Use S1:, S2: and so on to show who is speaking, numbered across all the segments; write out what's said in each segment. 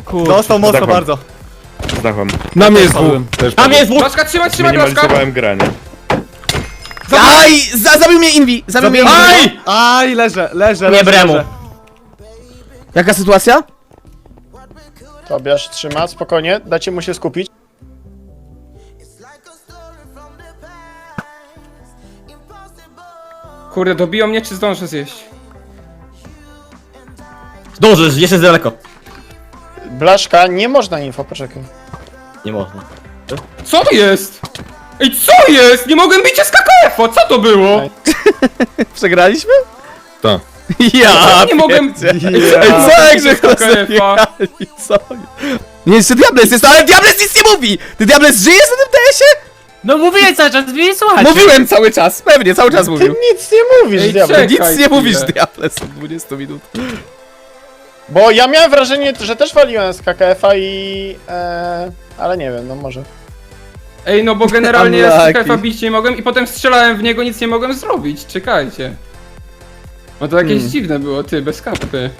S1: Kurde.
S2: Dostał mocno
S3: Zdechłem.
S2: bardzo.
S3: Zdechłem.
S4: Na mnie jest
S1: Padłem.
S3: Też
S1: Tam jest dwóch!
S5: Blaszka, trzymaj, trzymaj, Blaszka!
S3: Minimalizowałem granie.
S4: Aj! Zabił mnie Invi! Zabił mnie Invi!
S1: Aj!
S2: Aj, leżę.
S1: Nie bremu.
S4: Jaka sytuacja?
S6: Tobiasz trzyma, spokojnie, dajcie mu się skupić.
S5: Kurde, dobiją mnie, czy zdążę zjeść?
S1: Zdążysz, jeszcze jest daleko.
S6: Blaszka, nie można info, poczekaj.
S1: Nie można.
S5: Co jest? Ej, co jest? Nie mogłem bić SKKF-a, co to było?
S4: Przegraliśmy?
S3: Tak.
S4: Ja!
S5: Nie mogłem...
S4: Ej, co jak że
S5: SKKF-a?
S4: Co? Nie, jeszcze Diables jest, ale Diables nic nie mówi! Ty Diables żyjesz na tym TS-ie?
S1: No mówiłem cały czas, wy nie słuchacie.
S4: Mówiłem cały czas, pewnie, cały czas
S6: Ty
S4: mówił.
S6: nic nie mówisz,
S5: Ej,
S6: diabeł.
S5: czekaj
S4: Nic nie
S5: chwilę.
S4: mówisz, Diables, od 20 minut.
S6: Bo ja miałem wrażenie, że też waliłem z KKF-a i... ale nie wiem, no może.
S5: Ej, no bo generalnie
S4: Unlucky.
S5: SKKF-a bić nie mogłem i potem strzelałem w niego, nic nie mogłem zrobić, czekajcie. No to jakieś dziwne było, ty, bez kapy.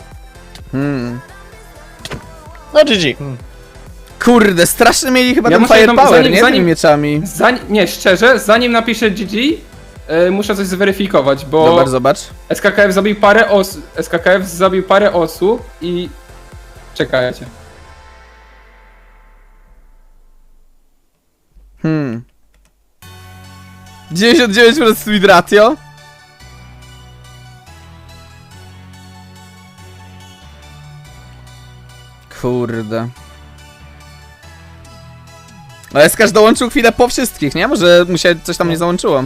S6: No GG.
S4: Kurde, strasznie mieli chyba
S5: Ja
S4: ten
S5: muszę jedną-
S4: firepower,
S5: zanim-
S4: nie?
S5: zanim-
S4: Tymi mieczami.
S5: Nie, szczerze, zanim napiszę GG, muszę coś zweryfikować, bo
S4: Zobacz.
S5: SKKF zabił parę osób i... Czekajcie.
S4: 99% speed ratio. Kurde. No Eskarz dołączył chwilę po wszystkich, nie? Może mu się coś tam nie załączyło.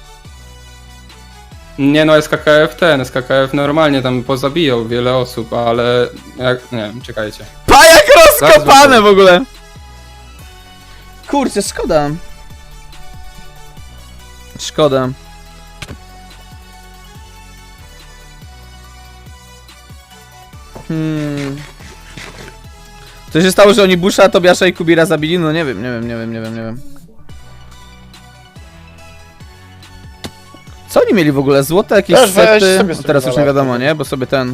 S5: Nie no, SKKF normalnie tam pozabijał wiele osób, ale... Jak, nie wiem, czekajcie.
S4: Pajak rozkopane
S5: Zaraz
S4: w ogóle! Kurczę, szkoda. Szkoda. Co się stało, że oni Busha, Tobiasza i Kubira zabili? No nie wiem. Co oni mieli w ogóle? Złote jakieś
S6: Też weź
S4: sety?
S6: sobie
S4: No teraz już nie
S6: spróbować.
S4: wiadomo, nie? Bo sobie ten...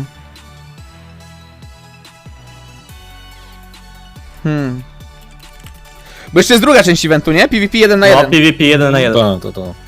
S4: Bo jeszcze jest druga część eventu, nie? PvP 1 na 1.
S1: No, PvP 1 na 1.
S3: To.